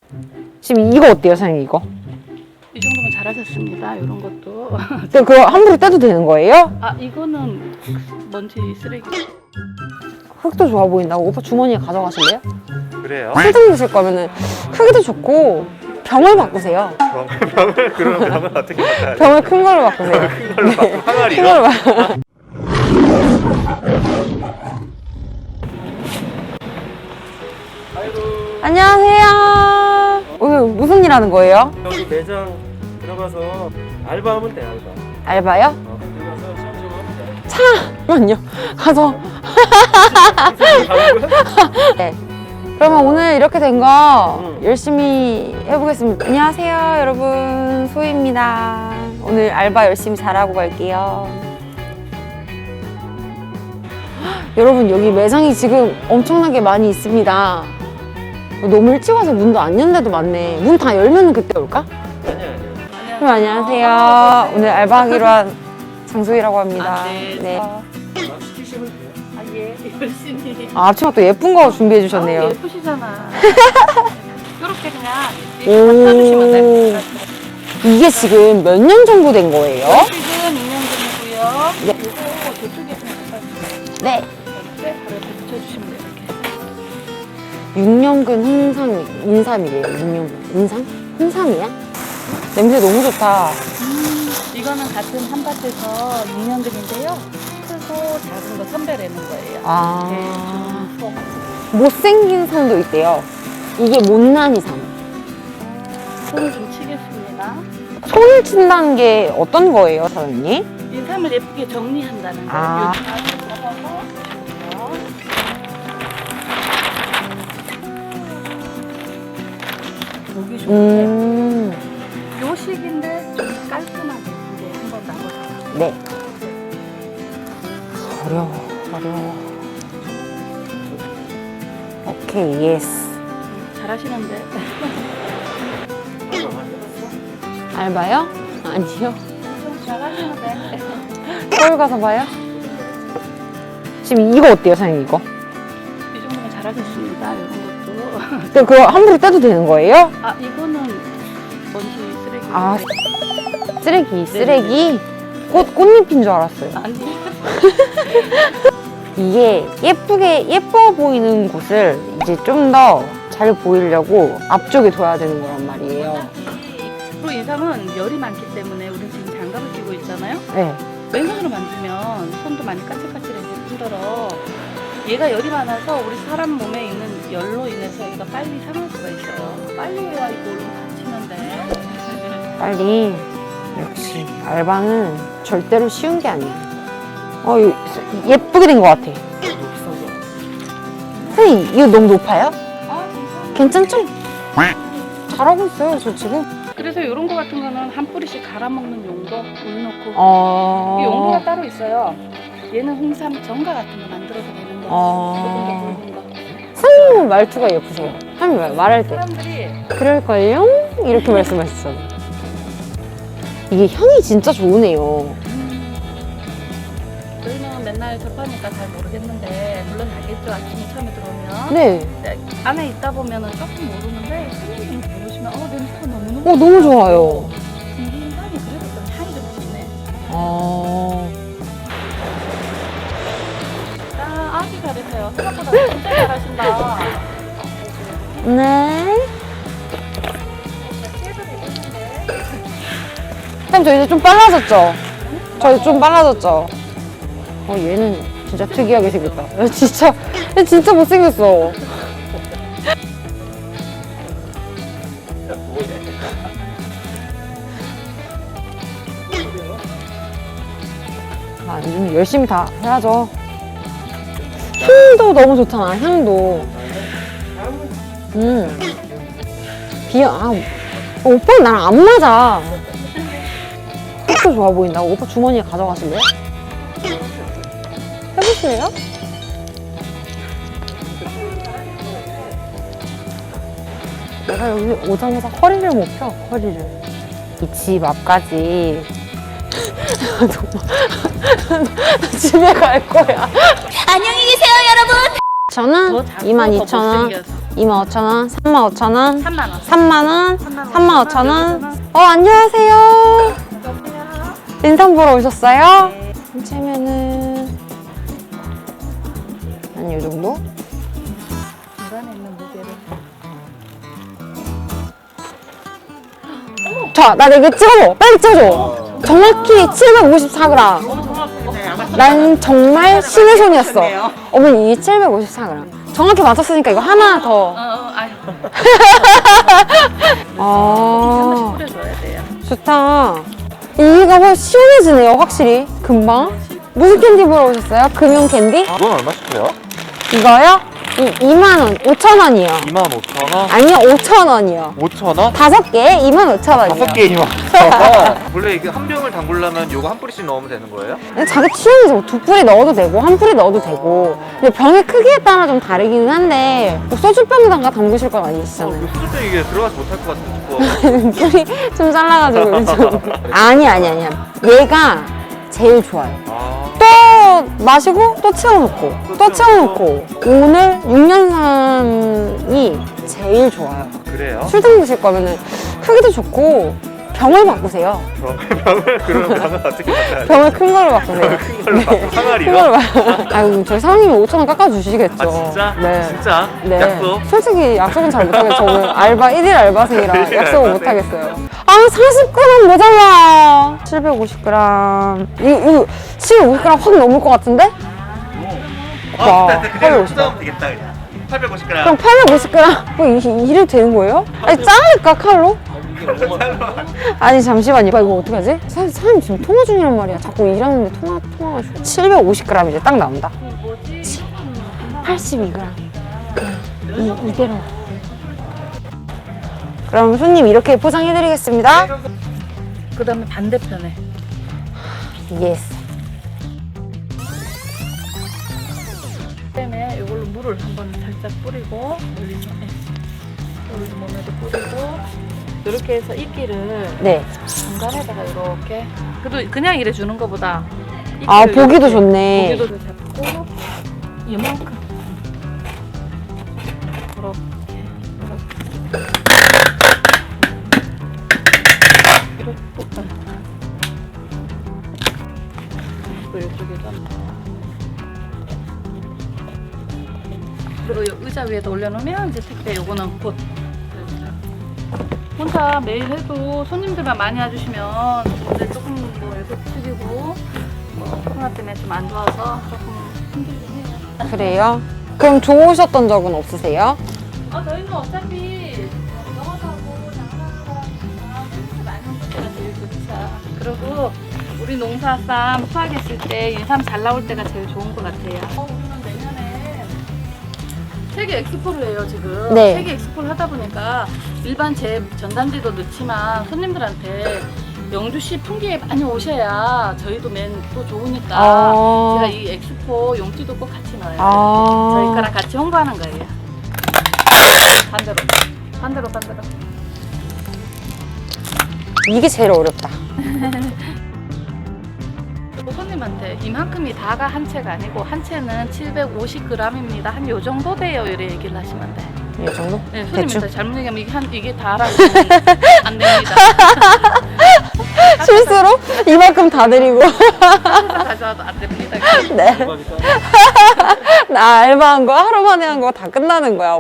지금 이거 어때요, 사장님 이거? 이 정도면 잘하셨습니다. 이런 것도. 근데 그거 함부로 떼도 되는 거예요? 아, 이거는 먼지 쓰레기. 흙도 좋아 보인다고 오빠 주머니에 가져가실래요? 그래요? 술 드실 거면은 흙도 좋고 병을 바꾸세요. 그러면 병을 어떻게 바꿔야 돼? 병을 큰 걸로 바꾸세요. 큰 걸로 바꾸고 큰 항아리로? 걸로 바 안녕하세요. 오늘 무슨 일 하는 거예요? 여기 매장 들어가서 알바하면 돼, 알바. 알바요? 들어가서 시험 좀 하면 돼. 잠깐만요. 가서. 네. 그러면 오늘 이렇게 된 거 열심히 해보겠습니다. 안녕하세요, 여러분. 소희입니다. 오늘 알바 열심히 잘하고 갈게요. 여러분, 여기 매장이 지금 엄청나게 많이 있습니다. 너무 일찍 와서 문도 안 연 데도 많네. 문 다 열면 그때 올까? 아니야. 그럼 안녕하세요. 오늘 알바하기로 한 장소희라고 합니다. 아, 네. 네. 막 시키시면 돼요. 아, 예. 열심히. 아, 앞치마 또 예쁜 거 준비해 주셨네요. 아, 예쁘시잖아. 이렇게 그냥 갖다주시면 됩니다. 이게 지금 몇 년 정도 된 거예요? 지금 2년 전이고요. 네. 이거 저쪽에 좀 갖다주세요. 네. 이렇게 바로 이렇게 붙여주시면 돼요. 이렇게. 6년근 인삼이래요. 6년근. 인삼? 홍삼이야? 냄새 너무 좋다. 이거는 같은 한 밭에서 6년근인데요. 크고 작은 거 선별하는 거예요. 아. 네. 못생긴 삼도 있대요. 이게 못난이 삼. 손을 좀 치겠습니다. 손을 친다는 게 어떤 거예요, 사장님? 인삼을 예쁘게 정리한다는 거예요. 아. 보기 좋은데 음. 요 식인데 좀 깔끔하게 이제 한번 나눠서. 네. 어려워. 오케이, 예스. 잘하시는데. 알바요? 아니요. 좀 잘하시는데. 서울 가서 봐요? 지금 이거 어때요, 사장님 이거? 이 정도면 잘하셨습니다. 이런 것도. 근데 그거 함부로 떼도 되는 거예요? 아, 이거는 먼지 쓰레기. 아, 쓰레기? 꽃잎인 줄 알았어요. 아니. 이게 예뻐 보이는 곳을 이제 좀 더 잘 보이려고 앞쪽에 둬야 되는 거란 말이에요. 그리고 인삼은 열이 많기 때문에 우리는 지금 장갑을 끼고 있잖아요. 네. 왼손으로 만지면 손도 많이 까칠까칠해질 뿐더러 얘가 열이 많아서 우리 사람 몸에 있는 열로 인해서 얘가 빨리 상할 수가 있어요. 빨리 해야 이거 얼른 다치면 돼. 빨리. 역시 알바는 절대로 쉬운 게 아니야. 예쁘게 된 것 같아. 선생님, 이거 너무 높아요? 아, 괜찮죠? 잘하고 있어요, 저 지금. 그래서 이런 거 같은 거는 한 뿌리씩 갈아먹는 용도 물 넣고 이 용도가 따로 있어요. 얘는 홍삼 정가 같은 거 만들어서 되는 거. 조금 더 굵은 거. 선생님 말투가 예쁘세요. 선생님 말할 때. 사람들이 그럴걸요? 이렇게 말씀하시잖아요. 이게 향이 진짜 좋으네요. 저희는 맨날 접하니까 잘 모르겠는데 물론 알겠죠. 아침에 처음에 들어오면 네. 안에 있다 보면은 조금 모르는데 손님이 모르시면 냄새가 너무너무 너무 좋아요. 이 향이 그래도 좀 향이 좀 좋네. 아주 잘하세요. 생각보다 진짜 잘하신다. 네. 선생님, 저 이제 좀 빨라졌죠? 저 좀 빨라졌죠? 얘는 진짜 특이하게 생겼다. 얘 진짜 못생겼어. 요즘 열심히 다 해야죠. 향도 너무 좋잖아, 향도. 오빠는 나랑 안 맞아. 흙도 좋아 보인다고 오빠 주머니에 가져가실래요? 해보실래요? 내가 여기 오자마자 허리를 못 펴, 허리를. 이 집 앞까지 집에 갈 거야. 안녕히 계세요, 여러분. 저는 더 작고 22,000원, 더 못생겼어. 25,000원, 35,000원, 3만 원. 3만원, 3만 35,000원. 안녕하세요. 인상 보러 오셨어요? 한치면은 한 이 정도? 중간에 있는 무게를. 자, 나 이거 찍어줘. 빨리 찍어줘. 정확히 754g. 난 정말 신의 손이었어. 어머니, 이게 754g. 정확히 맞췄으니까 이거 하나 더. 아니. 아, 뿌려줘야 돼요. 좋다. 이가 뭐 시원해지네요, 확실히. 금방. 무슨 캔디 보러 오셨어요? 금융 캔디? 이건 얼마씩해요? 이거요? 2만원, 5,000원이요. 25,000원? 아니요, 5,000원이요. 5,000원? 5개 25,000원이요. 5개 25,000원. 원래 이게 한 병을 담그려면 요거 한 뿌리씩 넣으면 되는 거예요? 자기 취향이죠. 2뿌리 넣어도 되고, 1뿌리 넣어도 되고. 근데 병의 크기에 따라 좀 다르기는 한데, 뭐 소주병에다가 담그실 건 아니시잖아요. 수술병 이게 들어가서 못할 것 같은데 싶어. 뿌리 좀 잘라가지고 좀. 아니야. 얘가 제일 좋아요. 또 마시고 또 채워놓고 또 채워놓고 오늘 6년산이 제일 좋아요. 그래요? 술 담그실 거면은 크기도 좋고 병을 바꾸세요. 그러면 병을 어떻게 바꿔야 돼? 병을 큰 걸로 바꾸세요. 큰 걸로 바꿔. 큰 항아리로? 걸로 아이고 저희 사장님이 5,000원 깎아주시겠죠. 아 진짜? 네. 진짜? 네. 약속? 솔직히 약속은 잘 못하겠어요. 오늘 알바 1일 알바생이라 일일 약속은 알바생. 못하겠어요. 아 40g 모자라. 750g. 이거 750g 확 넘을 것 같은데? 와, 그대로 850g. 수다면 되겠다 그냥. 850g. 그럼 850g? 뭐 이래도 되는 거예요? 아니 자를까 칼로? 아니 잠시만요. 이거 어떻게 하지? 사장님 지금 통화 중이란 말이야. 자꾸 일하는데 통화가 좀. 750g 이제 딱 나온다. 82g. 이대로. 그럼 손님 이렇게 포장해드리겠습니다. 그 다음에 반대편에. 예스. 그다음에 이걸로 물을 한번 살짝 뿌리고 몸에도 뿌리고 이렇게 해서 이끼를 네. 중간에다가 이렇게 그래도 그냥 이래 주는 것보다 아 이끼를 보기도 이렇게 좋네. 고기도 잡고 이만큼 이렇게 이쪽에다 그리고 이 의자 위에다 올려놓으면 이제 택배 요거는 곧 혼자 매일 해도 손님들만 많이 와주시면 이제 조금 뭐 애도 드리고 뭐 코로나 때문에 좀 안 좋아서 조금 힘들긴 해요. 그래요? 그럼 좋으셨던 적은 없으세요? 저희는 어차피 영업하고 장사하니까 손님들 많이 오실 때가 제일 좋죠. 그리고 우리 농사쌈 수확했을 때 인삼 잘 나올 때가 제일 좋은 것 같아요. 우리는 내년에 세계 엑스포를 해요 지금. 네. 세계 엑스포를 하다 보니까 일반 제 전단지도 넣지만 손님들한테 영주시 풍기에 많이 오셔야 저희도 또 좋으니까 아. 제가 이 엑스포 용지도 꼭 같이 넣어요. 아. 저희 거랑 같이 홍보하는 거예요. 반대로. 이게 제일 어렵다. 그리고 손님한테 이만큼이 다가 한 채가 아니고 한 채는 750g입니다. 한 요 정도 돼요. 이래 얘기를 하시면 돼. 이 정도? 네, 대충? 손님한테 잘못 얘기하면 이게 다라고 안 됩니다. 실수로 이만큼 다 드리고. 가져와도 안 됩니다. 네. 나 알바한 거 하루 만에 한 거 다 끝나는 거야.